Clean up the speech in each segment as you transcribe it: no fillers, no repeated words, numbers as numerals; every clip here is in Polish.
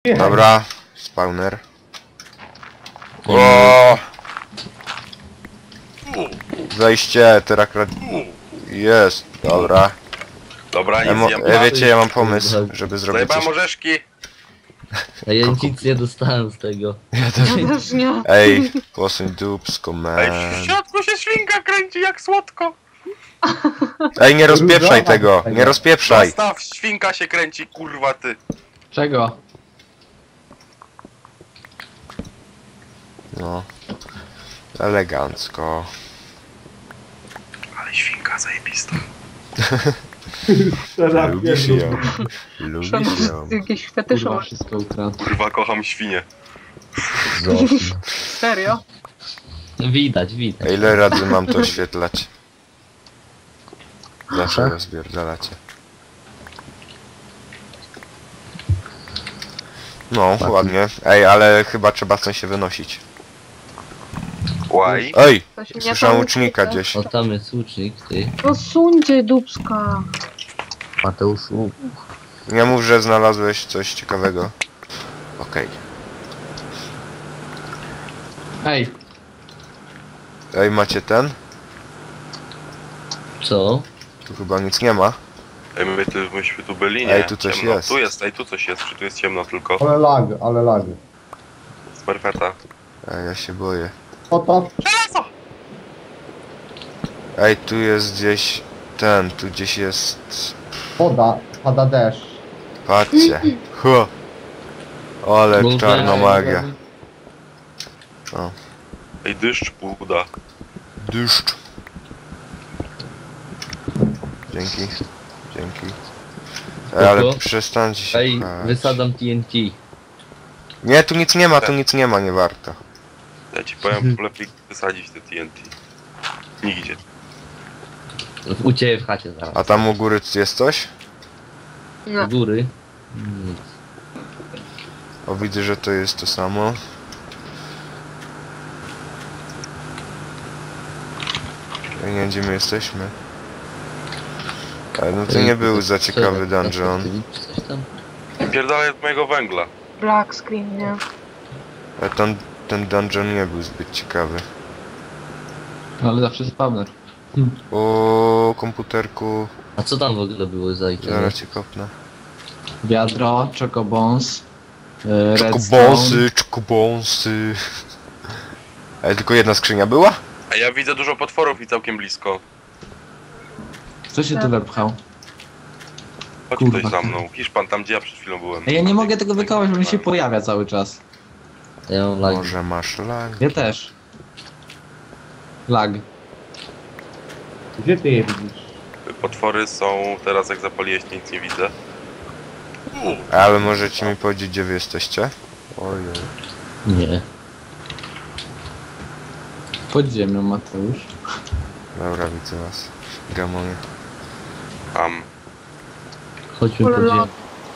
Dobra, spawner. O! Zajście, terakrat... Jest, dobra. Dobra, nic nie Wiecie, ja mam pomysł, żeby zrobić Zajebałem coś... orzeszki. A ja nic nie dostałem z tego. Ja też... Ja też nie. Ej, posuń dupsko, man. Ej, w środku się świnka kręci jak słodko. Ej, nie rozpieprzaj tego, nie rozpieprzaj. Zostaw, świnka się kręci, kurwa ty. Czego? No. Elegancko. Ale świnka zajebista. Lubisz ją. Lubisz ją. Jakieś fetysze Kurwa, masz. wszystko ukradł. Kurwa, kocham świnie. Serio? Widać, widać. A ile razy mam to oświetlać? Zawsze rozpierdalacie. No, ładnie. Ej, ale chyba trzeba stąd się wynosić. Łaj. Ej! To się nie Słyszałem tam łucznika ukryte. gdzieś. O, tam jest łucznik, ty. No suńcie dupska. Mateuszu. Nie mów, że znalazłeś coś ciekawego. Okej. Ej, Ej, macie ten? Co? Tu chyba nic nie ma. Ej, myśmy tu byli, nie? Ej, tu coś ciemno. jest. Tu jest, ej, tu coś jest, czy tu jest ciemno tylko? Ale lag, ale lag. Z perfeta. Ej, ja się boję. Oto, Żelazo! Ej, tu jest gdzieś... Ten, tu gdzieś jest... woda, pada deszcz. Patrzcie. Ho! Ale Może- czarna magia. O. Ej, deszcz buda. Deszcz. Dzięki. Dzięki. Ej, ale Spoko. przestańcie się Ej, pchać. wysadzam TNT. Nie, tu nic nie ma, tu nic nie ma, nie warto. Ja ci powiem, lepiej wysadzić te TNT. Nigdzie. U ciebie w chacie zaraz. A tam u góry jest coś? Nie. U góry. Nic. O, widzę, że to jest to samo. Ja nie wiem, gdzie my jesteśmy. Ale no to nie był za ciekawy dungeon. Coś tam? Pierdolę od mojego węgla. Black screen, nie? Ale ten dungeon nie był zbyt ciekawy. ale zawsze spawner. O, komputerku. A co tam w ogóle było za item? Zaraz cię kopnę. Wiadro, chocobons, redstone. Czekobonsy, czekobonsy. Ale tylko jedna skrzynia była? A ja widzę dużo potworów i całkiem blisko. Kto się tu wepchał? Chodź Kurwa. ktoś za mną. Hiszpan, tam gdzie ja przed chwilą byłem. Ej, ja nie mogę tego wykołać, bo mi się pojawia cały czas. Ja mam lag. Może masz lag? Ja też. Lag. Gdzie ty je widzisz? Potwory są teraz, jak zapaliłeś, nic nie widzę. Ale możecie mi powiedzieć, gdzie wy jesteście? Ojej. Nie. Pod ziemią, Mateusz. Dobra, widzę was. Gamonie. Tam. Chodźmy po Kurwa.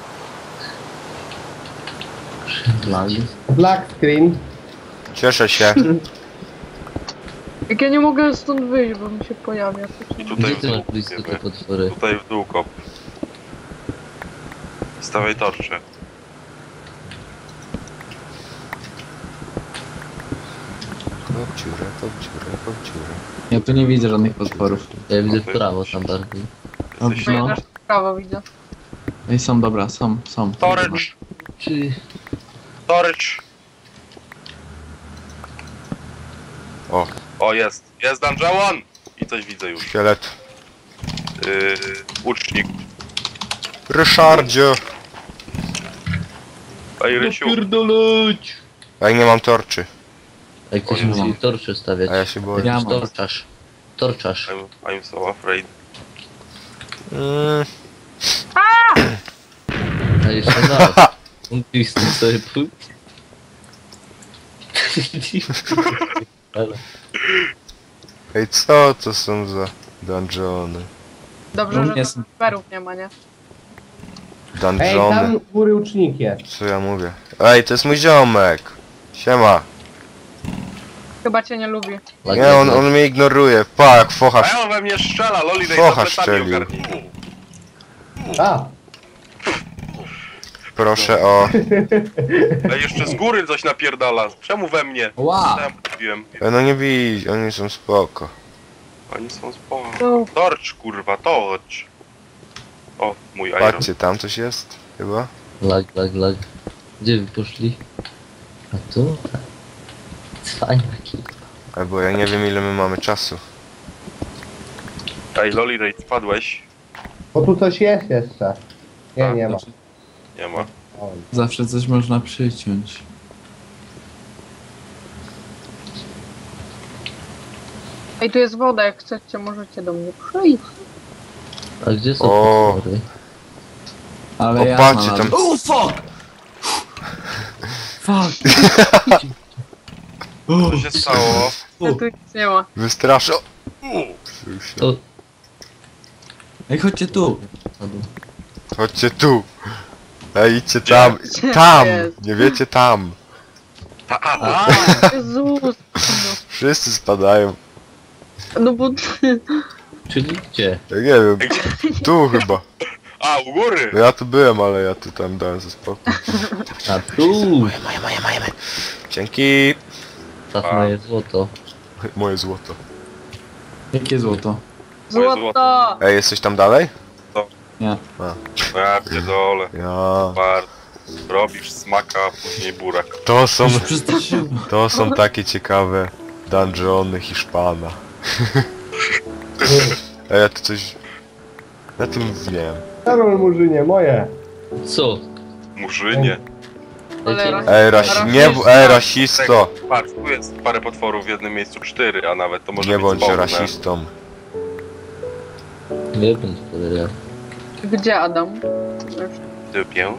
ziemi. Lag. Black screen. Cieszę się. Jak ja nie mogę stąd wyjść, bo mi się pojawia. I Gdzie tutaj w ty dół. masz blisko te wiemy. potwory? Tutaj w dół kop. Stawiaj torcze. Kopciurę, kopciurę, kopciurę. Ja tu nie widzę żadnych potworów. Ja widzę w prawo tam bardziej. Jesteś... No ja No. też w prawo widzę. Ej, są, dobra, są. Storage! Czy... Storage! O, O, jest! Jest dungeon! I coś widzę już. szkielet. Łucznik. Ryszardzie! Ej, Rysiu. Pierdoleć! Ej, nie mam torczy. Jak ktoś O, nie musi mam. torcze stawiać. A ja się boję. Ja Jakiś mam. torczarz. Torczarz. I'm so afraid. A jeszcze zaraz. Mógłbyś z tym sobie pójść? Ale... Ej, co to są za dungeony? Dobrze, No, że jest. tam perów nie ma, nie? Ej, Dungeony. tam u góry łucznik jest. Co ja mówię? Ej, to jest mój ziomek. Siema. Chyba cię nie lubi. Nie, on mnie ignoruje. Pa, jak focha. A ja on we mnie strzela, Loli, daj Focha za plecami strzelił. ogarnij. A, proszę o... Ej, jeszcze z góry coś napierdala. Czemu we mnie? Ła! Co ja mówiłem? No nie bij, oni są spoko. Oni są spoko. No, Torcz, kurwa, torcz. O, mój iron. Patrzcie, tam coś jest? Chyba? Lag. Gdzie wy poszli? A tu? Cwaniaki. Albo ja nie wiem ile my mamy czasu. Ej, Loli Raid, spadłeś? Bo tu coś jest jeszcze. Nie, nie ma. Nie ma. Oj. Zawsze coś można przyciąć. ej, tu jest woda, jak chcecie, możecie do mnie przyjść. A gdzie są O. potwory? Ale O, ja patrzcie, znalazłem. tam- O, fuck! Fuck! Co się stało? No tu nic nie ma. Wystraszę. O, Ej, chodźcie tu! padł. Chodźcie tu. Ej, idźcie tam. Tam! jest? Nie wiecie tam. Jezus. Wszyscy spadają. No bo... Czyli gdzie? Ja nie wiem. Tu chyba. A, u góry! No ja tu byłem, ale ja tu tam dałem ze spokój. A tu! Moje. Dzięki. Czas na je złoto. Moje złoto. Jakie złoto? Złoto! Ej, jesteś tam dalej? Nie. Ja pierdolę. Ja. Bart. Robisz smaka, a później burak. To Przestraszyłem. są takie ciekawe dungeony Hiszpana. Ej, ja tu coś... Ja tu nic nie wiem. Karol Murzynie, moje. Co? Murzynie. Cholera. Ej, rasisto! Patrz, tu jest parę potworów, w jednym miejscu 4, a nawet to może Nie być bądź spawne. rasistą. Nie bądź podejrzany. Gdzie Adam? Typię.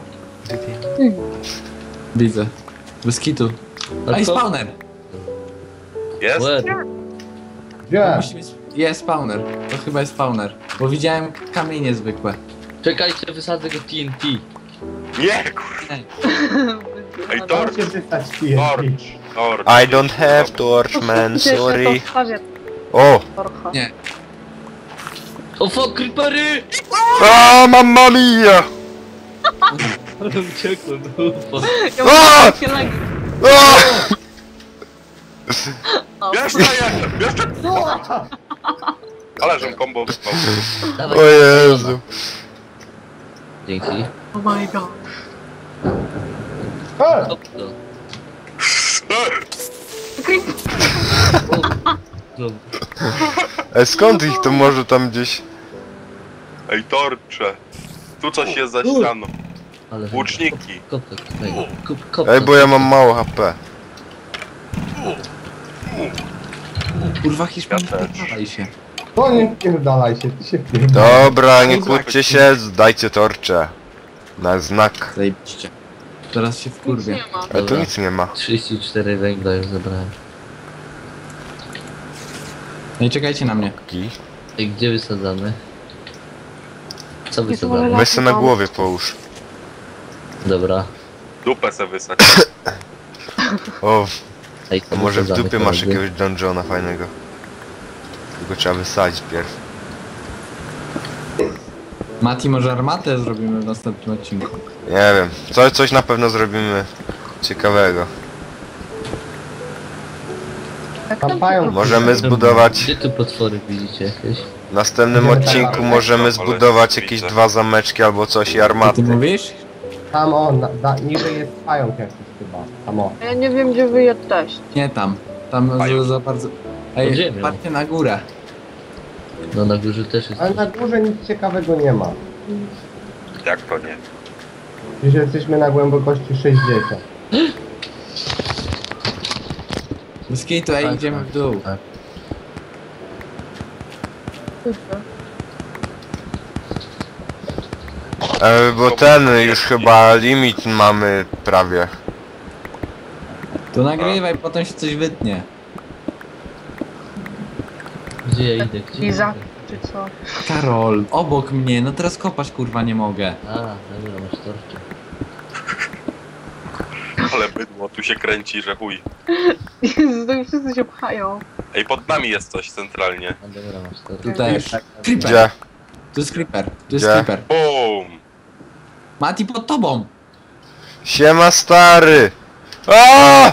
Widzę. Bez kitu. A Ej, co? spawner! Jest? Łeb. Gdzie? Musi być... Jest spawner. To chyba jest spawner. Bo widziałem kamienie zwykłe. Czekajcie, wysadzę go TNT. Nie, kurwa. Ej, torcz! Możecie wystać TNT. Torcz. I don't have torch, man, sorry. O! Nie. O fuck, creepery! A, mamma mia! Ale uciekłem, ufa. Ja A! mam takie lagi. A! O. Jeszcze! Ale żem combo wyspał. Dawaj. O Jezu. Dzięki. Oh my god. Hop to. No, Ej, skąd ich to może tam gdzieś... Ej, torcze. Tu coś jest za ścianą. ale... Łuczniki. Kop to, kop Ej, bo ja mam mało HP. Kurwa, Hiszpanii, Ja też. pierdalaj się. To nie pierdalaj się, ty się pierdalaj. Dobra, nie kłóćcie się, dajcie torcze. Na znak. Zajebiście. Teraz się Nic wkurwię. nie ma. Ale tu nic nie ma. 34 węgla już zebrałem. No i czekajcie na mnie. I gdzie wysadzamy? Co Jest wysadzamy? wolę- Weź se na głowie połóż. Dobra. Dupę se wysać. O, Ej, to może w wysadzamy dupie masz koledzy. jakiegoś dungeona fajnego. Tylko trzeba wysadzić pierw. Mati, może armatę zrobimy w następnym odcinku. Nie wiem, coś na pewno zrobimy ciekawego. Tam pająk. Możemy zbudować... Gdzie tu potwory widzicie jakieś? W następnym odcinku możemy zbudować jakieś 2 zameczki albo coś i Co ty armaty. mówisz? Tam on, niżej jest pająk jakiś chyba. Tam o. Ja nie wiem, gdzie wy jesteście. Nie tam. Tam za bardzo... Ej, Podziemia. patrzcie na górę. No na górze też jest. Ale na górze nic ciekawego nie ma. Jak to nie? Dziś jesteśmy na głębokości 60. Bez kitu, ej, Tak, idziemy tak, w dół. tak. Bo ten już chyba limit mamy prawie. To nagrywaj, potem się coś wytnie. Gdzie ja idę? Gdzie ja Iza, idę? czy co? Karol, obok mnie, no teraz kopać kurwa nie mogę. A, dobra, masz torcze. Ale bydło tu się kręci, że chuj. Jezu, to wszyscy się pchają. Ej, pod nami jest coś centralnie. A dobra, masz torcze. Tu też. Creeper. Gdzie? Tu jest creeper. Tu jest Gdzie? creeper. BUM! Mati, pod tobą. Siema stary! Aaaa!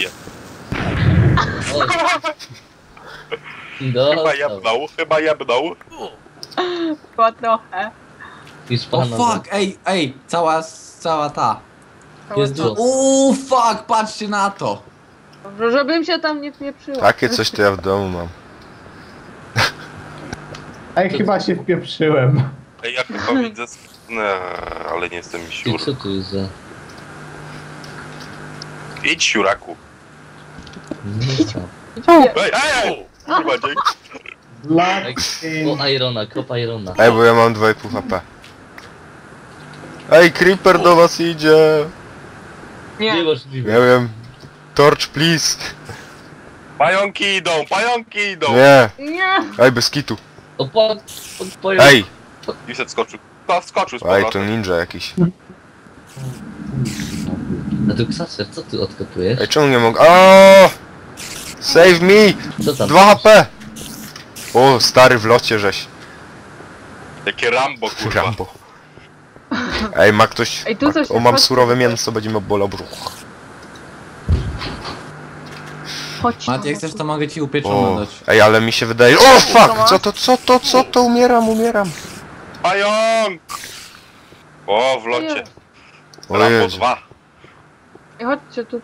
Dostał. Chyba jebnął. Chyba trochę. I O spana. fuck, ej, cała ta. Jest Co? Uuu, fuck, patrzcie na to. Dobrze, żebym się tam nie wpieprzyła. Takie coś to ja w domu mam. Ej, chyba się wpieprzyłem. Ej, ja chyba widzę... Nie, ale nie jestem I siur. co tu jest za... Idź, siuraku. Nie co? Ej! Kurwa, dzięki. Black O Irona, kop Irona. Ej, bo ja mam 2,5 HP. Ej, Creeper do was idzie! Nie. Niemożliwe. Nie wiem. Torch, please! Pająki idą! Nie! Nie. Ej, bez kitu. O pan... Ej! I se skoczył. Skoczył z Ej, to powrotem. ninja jakiś. A tu Ksacer, co ty odkopujesz? Ej, czemu nie mogę? O! Save me! Co tam? 2 HP! O, stary w locie żeś. Jakie Rambo, kurwa. Rambo. Ej, ma ktoś... Ej, tu coś O, mam chodź. surowe mięso, będzie mi bolał brzuch. Chodź. Mat, jak chcesz, to mogę ci upieczone O, dać. ej, ale mi się wydaje... O, fuck! Co to? Umieram. Pająk! O, w locie. O Rambo Jezu. 2. Ej, chodźcie tu.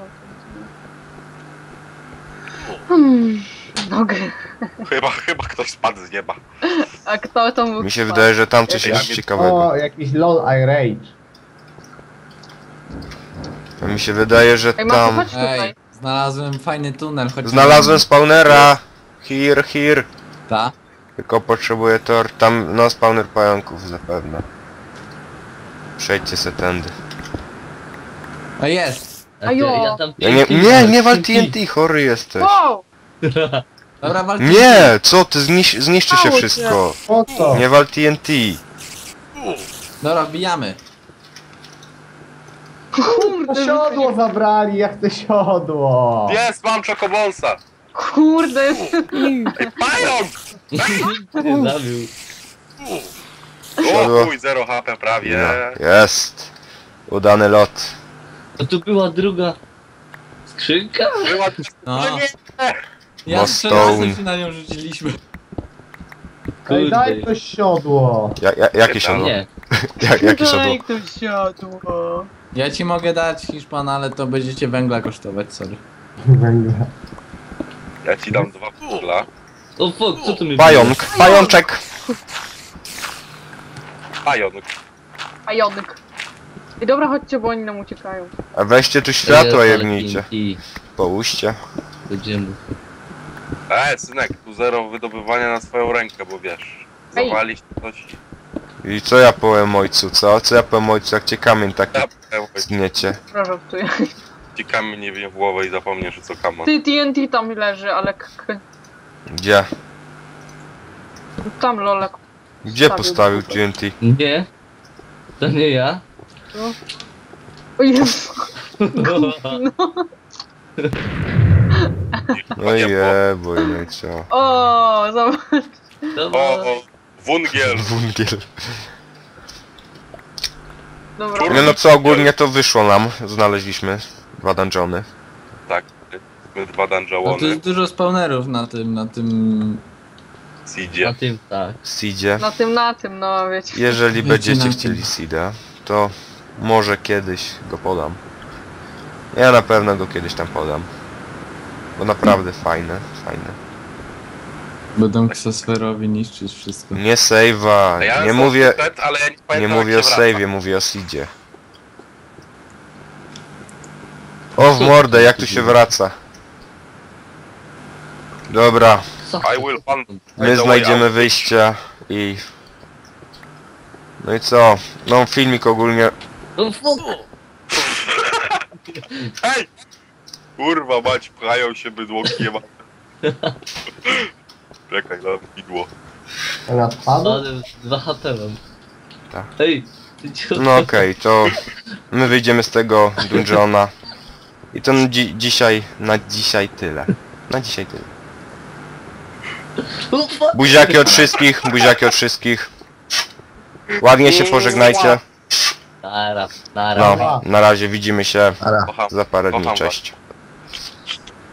Nogę. Chyba ktoś spadł z nieba. A kto to mógł Mi się spać? wydaje, że tam coś Ej, jest a mi- ciekawego. O, jakiś LOL I rage. Mi się wydaje, że Ej, Maciu, tam... chodź tutaj. Ej, znalazłem fajny tunel, chodź. Znalazłem spawnera! Here. Ta? Tylko potrzebuję tor. Tam, no, spawner pająków zapewne. Przejdźcie se tędy. O, jest. A ty, Ajo. ja tam... Nie wal TNT, chory jesteś. Wow! Dobra, walczy. Nie, co ty, zniszczy się Stało się. wszystko. Po co? Nie wal TNT. Dobra, wbijamy. To Kurde, siodło zabrali, ja chcę siodło. Jest, mam czokobonsa. kurde. Ej, pająk! Nie zabił. Siodło. O chuj, 0 HP prawie. No, jest. Udany lot. A tu była druga... skrzynka? Była... No. No nie! Ja No, 3 stone. razy się na nią rzuciliśmy. Ej, daj Kurde. to siodło. Jakie siodło? Nie. Jakie siodło? Daj to siodło. Ja ci mogę dać Hiszpan, ale to będziecie węgla kosztować, sorry. Węgla. Ja ci dam 2 pudla. O fuck, co tu mi Pajączek. Pająk. Pająk. I dobra, chodźcie, bo oni nam uciekają. A weźcie tu światła jebnijcie. I Połóżcie. będziemy... Synek, tu 0 wydobywania na swoją rękę, bo wiesz. Ej. Zawalić coś. I co ja powiem ojcu, co? Co ja powiem ojcu, jak cię kamień taki zgniecie? Proszę, tu Ci kamień nie wiem w głowę i zapomniesz, co kamon. Ty TNT tam leży, ale Gdzie? tam lolek. Gdzie postawił TNT? Nie. To nie ja. O Jezu. No i jeboj, no i co? O, zobacz. Dobra. O, wungiel. Wungiel. Dobra. Nie no co, ogólnie to wyszło nam. Znaleźliśmy 2 dungeony. Tak. My 2 No tu dungeony. jest dużo spawnerów na tym... Seedzie. Na tym tak. Seedzie. Na tym, no wiecie. Jeżeli Wiecie, będziecie na tym. chcieli seeda, to może kiedyś go podam. Ja na pewno go kiedyś tam podam. Bo naprawdę fajne. Będą ksosferowi niszczyć wszystko. Nie save'a, A ja nie sam mówię, Set, ale ja nie nie pamiętam, mówię o jak się wraca. save'ie, mówię o seedzie. O w mordę, jak tu się wraca. Dobra, Co? I will find my the way znajdziemy out. wyjścia i... No i co? No filmik ogólnie... O fuck. Ej! Kurwa mać, pchają się bydłokiem. Czekaj, dam widło. Ona spadła? Ale 2 HP mam. Tak. Ej, ty cię... No okej, to... My wyjdziemy z tego dungeona. I to na dzisiaj tyle. Na dzisiaj tyle. O fuck. Buziaki od wszystkich, buziaki od wszystkich. Ładnie się pożegnajcie. Nara, nara. No, na razie widzimy się Kocham. za parę dni, Kocham was. cześć.